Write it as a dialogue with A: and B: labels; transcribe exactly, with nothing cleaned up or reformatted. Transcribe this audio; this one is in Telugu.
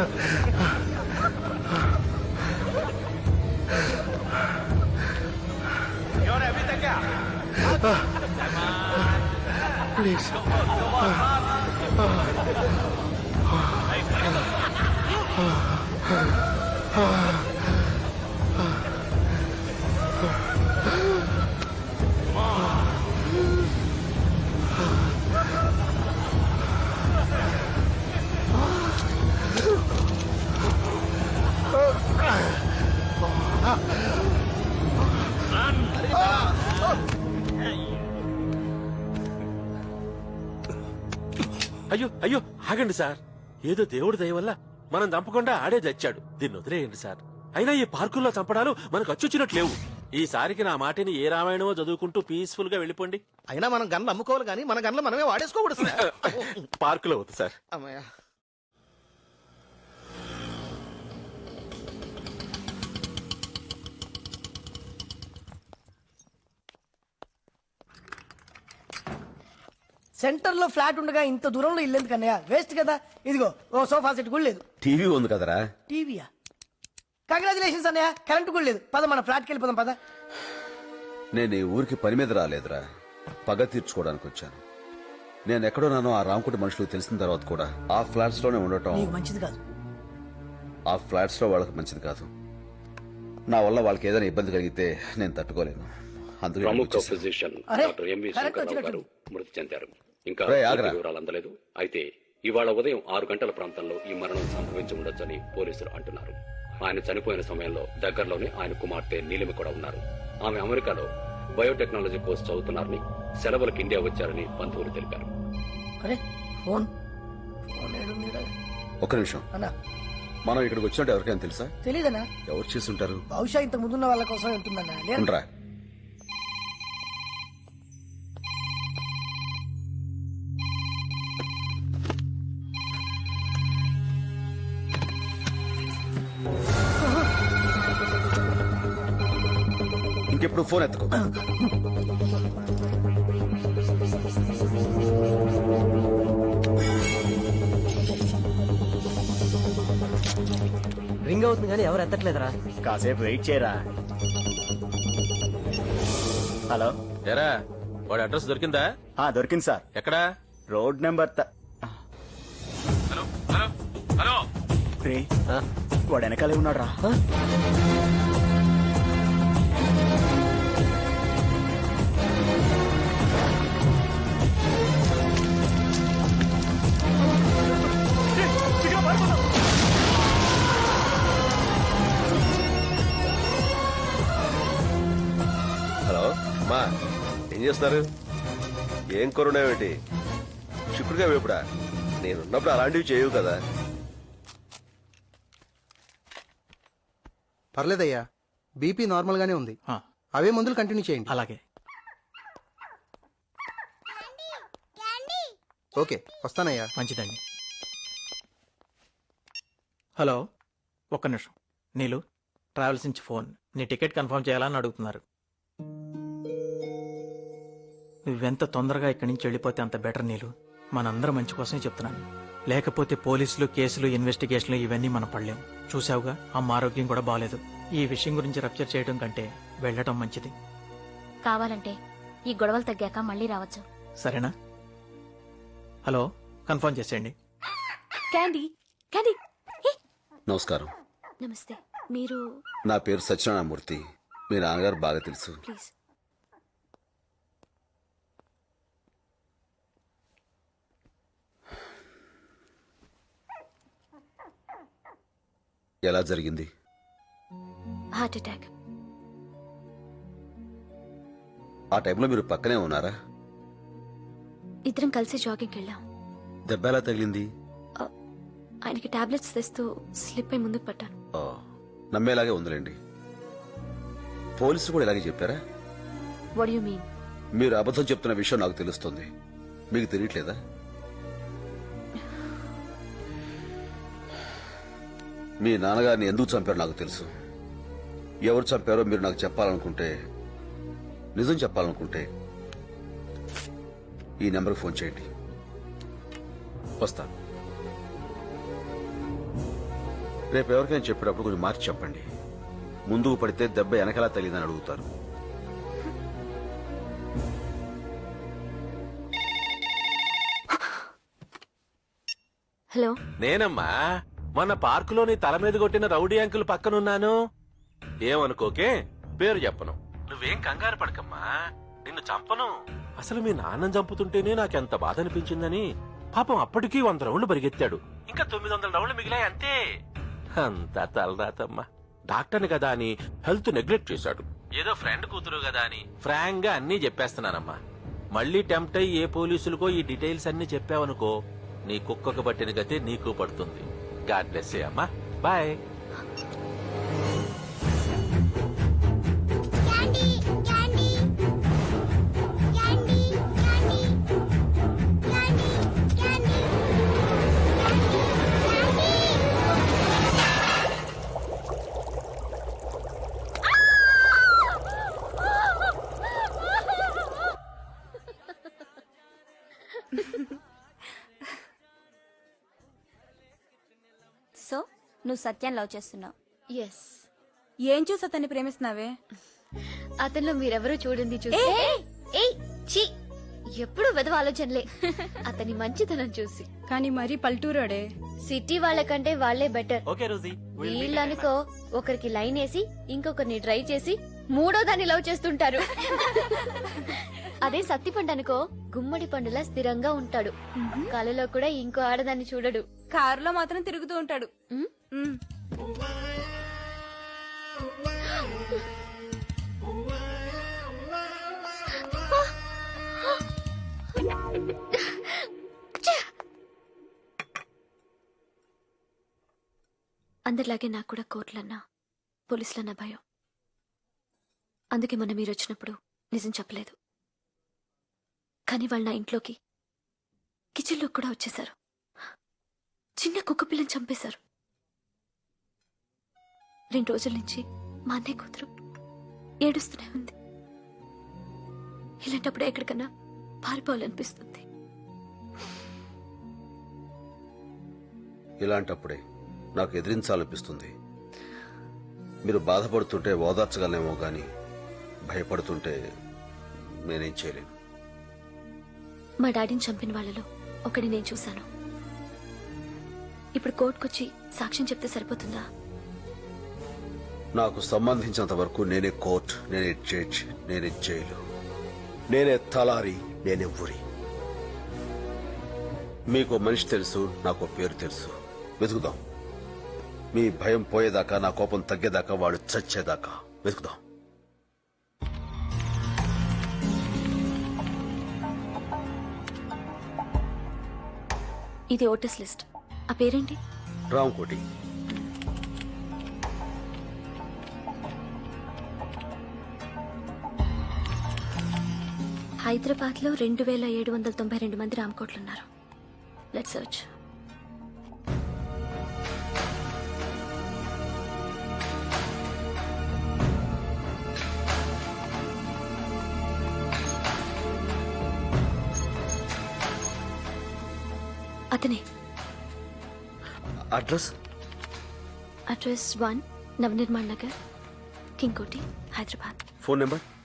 A: ప్లీజ్
B: అయ్యో అయ్యో ఆగండి సార్, ఏదో దేవుడి దయ వల్ల మనం చంపకుండా ఆడే తెచ్చాడు, దీన్ని వదిలేయండి సార్. అయినా ఈ పార్కుల్లో చంపడాలు మనకు అచ్చొచ్చినట్లేవు. ఈసారికి నా మాటిని ఏ రామాయణమో చదువుకుంటూ పీస్ఫుల్ గా వెళ్ళిపోండి.
C: అయినా మనం గన్లు అమ్ముకోవాలి కానీ మన గన్లు మనమే వాడేసుకోకూడదు సార్.
B: పార్కులో వద్దు సార్.
C: అమ్మయ్య.
D: సెంటర్ లో ఫ్లాట్ ఉండగా ఇంత దూరంలో ఇల్లు ఎందుకన్నయ్య? వేస్ట్ కదా. ఇదిగో ఓ సోఫా సెట్ కూడా లేదు.
E: టీవీ ఉంది కదరా.
D: టీవీయా? కంగ్రాచులేషన్స్ అన్నయ్య, కరెంట్ కూడా లేదు. పద మన ఫ్లాట్కి వెళ్ళిపోదాం పద.
E: నేను ఈ ఊరికి పని మీద రాలేదురా, పగ తీర్చుకోవడానికి వచ్చాను. నేను ఎక్కడోనానో ఆ రామకుటి మనుషులు తెలిసిన తర్వాత కూడా ఆ ఫ్లాట్స్ లోనే ఉండటం
D: నీకు మంచిది కాదు.
E: ఆ ఫ్లాట్స్ లో వాళ్ళకి మంచిది కాదు. నా వల్ల వాళ్ళకి ఏదైనా ఇబ్బంది కలిగితే నేను తట్టుకోలేను. అందుకే
F: ప్రముఖ ఫిజిషియన్
D: అరే,
F: డాక్టర్ ఎంవి
D: కరెక్ట్
F: శంకర్రావు
D: వచ్చినట్టు.
F: గారు మృతి చెందారు. ఇంకా
E: రేయ్, ఆగరా.
F: పూర్తి వివరాలు అందలేదు. అయితే ఇవాళ ఉదయం ఆరు గంటల ప్రాంతంలో ఈ మరణం సంభవించి ఉండొచ్చని పోలీసులు అంటున్నారు. ఆయన చనిపోయిన సమయంలో దగ్గరలోనే ఆయన కుమార్తె నీలిమ కూడా ఉన్నారు. ఆమె అమెరికాలో బయోటెక్నాలజీ కోర్సు చదువుతున్నారని, సెలవులకు ఇండియా వచ్చారని బంధువులు తెలిపారు.
D: అరే ఫోన్ ఫోన్ ఏడుందిరా?
E: ఒక్క నిమిషం
D: అన్నా
E: మనం ఇక్కడికి వచ్చినట్టు ఎవరికైనా తెలుసా?
D: తెలీదన్నా.
E: ఎవరు చేస్తుంటారు?
D: బహుశా ఇంత ముందున్న వాళ్ళ కోసం ఉంటుందన్నా. లేదు.
E: ఉండరా. ఇంకెప్పుడు ఫోన్ ఎత్తుకో.
G: రింగ్ అవుతుంది కానీ ఎవరు ఎత్తట్లేదురా.
C: కాసేపు వెయిట్ చేయరా. హలో.
B: ఎరా, వాడి అడ్రస్ దొరికిందా?
C: ఆ దొరికింది సార్.
B: ఎక్కడా?
C: Road number
B: hello hello hello
C: వాడు వెనకాలే ఉన్నాడు రా.
E: హలో అమ్మా, ఏం చేస్తున్నారు? ఏం కరుణేమిటి? చిక్కుడుగా వేపుడా? నేనున్నప్పుడు అలాంటివి చేయవు కదా.
H: పర్లేదయ్యా, బీపీ నార్మల్ గానే ఉంది. అవే మందులు కంటిన్యూ చేయండి.
C: అలాగే.
H: ఓకే, వస్తానయ్యా.
C: మంచిదండి. హలో, ఒక్క నిమిషం. నీలు, ట్రావెల్స్ నుంచి ఫోన్. నీ టికెట్ కన్ఫర్మ్ చేయాలని అడుగుతున్నారు. నువ్వెంత తొందరగా ఇక్కడి నుంచి వెళ్ళిపోతే అంత బెటర్ నీలు. మనందరం మంచి కోసమే చెప్తున్నాను. లేకపోతే పోలీసులు, కేసులు, ఇన్వెస్టిగేషన్లు ఇవన్నీ మనం పడలేం. చూసావుగా, అమ్మ ఆరోగ్యం కూడా బాలేదు. ఈ విషయం గురించి రప్చర్ చేయడం కంటే వెళ్ళటం మంచిది.
I: కావాలంటే ఈ గొడవలు తగ్గాక మళ్ళీ రావచ్చు.
C: సరేనా? హలో, కన్ఫర్మ్ చేసేయండి.
I: Candy, candy.
E: నమస్కారం.
I: నమస్తే. మీరు?
E: నా పేరు సత్యనారాయణమూర్తి. మీ నాన్నగారు బాగా తెలుసు.
I: ప్లీజ్.
E: ఎలా జరిగింది?
I: Heart attack.
E: ఆ టైంలో మీరు పక్కనే ఉన్నారా?
I: ఇద్దరం కలిసి జాగింగ్కి వెళ్ళాం.
E: దెబ్బ ఎలా తగిలింది?
I: ఆయనకి టాబ్లెట్స్ తెస్తూ స్లిప్ అయి ముందుకు పట్టాను.
E: ఓ, నమ్మేలాగే ఉందిలేండి. పోలీసులు కూడా ఇలాగే చెప్పారా?
I: What you mean?
E: మీరు అబద్ధం చెప్తున్న విషయం నాకు తెలుస్తుంది. మీకు తెలియట్లేదా? మీ నాన్నగారిని ఎందుకు చంపారో నాకు తెలుసు. ఎవరు చంపారో మీరు నాకు చెప్పాలనుకుంటే, నిజం చెప్పాలనుకుంటే ఈ నెంబర్కి ఫోన్ చేయండి. వస్తాను. రేపు ఎవరికైనా చెప్పేటప్పుడు కొంచెం మార్చి చెప్పండి. ముందుకు పడితే దెబ్బ వెనకలా తగిలిందని అడుగుతారు.
I: హలో.
B: నేనమ్మా మొన్న పార్కులోని తల మీద కొట్టిన రౌడీ అంకుల్ పక్కనున్నాను. ఏమనుకోకే, పేరు చెప్పను. నువ్వేం కంగారు పడకమ్మా, నిన్ను చంపను. అసలు మీ నాన్నని చంపుతుంటేనే నాకెంత బాధ అనిపించిందని. పాపం అప్పటికీ వంద రౌండ్లు పరిగెత్తాడు, ఇంకా తొమ్మిది వందల రౌండ్లు మిగిలాయి అంతే. అంతా తలరాతమ్మా. డాక్టర్ని కదా అని హెల్త్ నెగ్లెక్ట్ చేశాడు. ఏదో ఫ్రెండ్ కూతురు కదా అని ఫ్రాంక్ గా అన్నీ చెప్పేస్తున్నానమ్మా. మళ్ళీ టెంప్ట్ అయ్యి ఏ పోలీసులకో ఈ డీటెయిల్స్ అన్ని చెప్పావనుకో, నీ కుక్కకు పట్టిన గతే నీకు పడుతుంది. గాడ్ బ్లెస్ యూ అమ్మా, బాయ్.
A: సో నువ్వు సత్యాన్ని లవ్ చేస్తున్నావు.
I: ఎస్.
A: ఏం చూసి అతన్ని ప్రేమిస్తున్నావే?
I: అతనిలో మీరెవరూ చూడండి చూసి. ఏయ్ ఛీ, ఎప్పుడు వెదవ ఆలోచనలే. అతని మంచితనం చూసి.
A: కానీ మరీ పల్టూరాడే.
I: సిటీ వాళ్ళకంటే వాళ్ళే బెటర్.
C: ఓకే రోజీ,
I: వీళ్ళనుకో ఒకరికి లైన్ వేసి ఇంకొకరిని ట్రై చేసి మూడో దాన్ని లవ్ చేస్తుంటారు. అదే సత్తి పండు అనుకో, గుమ్మడి పండులా స్థిరంగా ఉంటాడు. కలలో కూడా ఇంకో ఆడదాన్ని చూడడు.
A: కారులో మాత్రం తిరుగుతూ ఉంటాడు.
I: ఉమ్?
A: ఉమ్.
I: అందరిలాగే నాకు కూడా కోర్టులన్నా పోలీసులన్నా భయం. అందుకే మొన్న మీరు వచ్చినప్పుడు నిజం చెప్పలేదు. కానీ వాళ్ళు నా ఇంట్లోకి కిచెన్లో కూడా వచ్చేశారు. చిన్న కుక్క పిల్లని చంపేశారు. రెండు రోజుల నుంచి మా అన్నయ్య కూతురు ఏడుస్తూనే ఉంది. ఇలాంటప్పుడు ఎక్కడికన్నా పారిపోవాలనిపిస్తుంది.
E: ఇలాంటప్పుడే నాకు ఎదిరించాలనిపిస్తుంది. మీరు బాధపడుతుంటే ఓదార్చగలనేమో గాని భయపడుతుంటే నేనేం చేయలేను.
I: మా డాడీని చంపిన వాళ్ళలో ఒకటి నేను చూశాను. ఇప్పుడు కోర్టుకొచ్చి సాక్ష్యం చెప్తే సరిపోతుందా?
E: నాకు సంబంధించినంత వరకు నేనే కోర్ట్, నేనే జడ్జ్, నేనే జైలు, నేనే తలారి, నేనే ఊరి. మీకు మనిషి తెలుసు, నాకు పేరు తెలుసు. వెతుకుదాం. మీ భయం పోయేదాకా, నా కోపం తగ్గేదాకా, వాడు చచ్చేదాకా వెతుకుదాం.
I: ఇది ఓటర్స్ లిస్ట్. ఆ పేరేంటి?
E: రాంకోటి.
I: హైదరాబాద్ లో రెండు వేల ఏడు వందల తొంభై రెండు మంది రామకోట్లున్నారు. Let's search. అతనే.
E: Address
I: address one Navnirman Nagar, King Koti, Hyderabad.
E: Phone number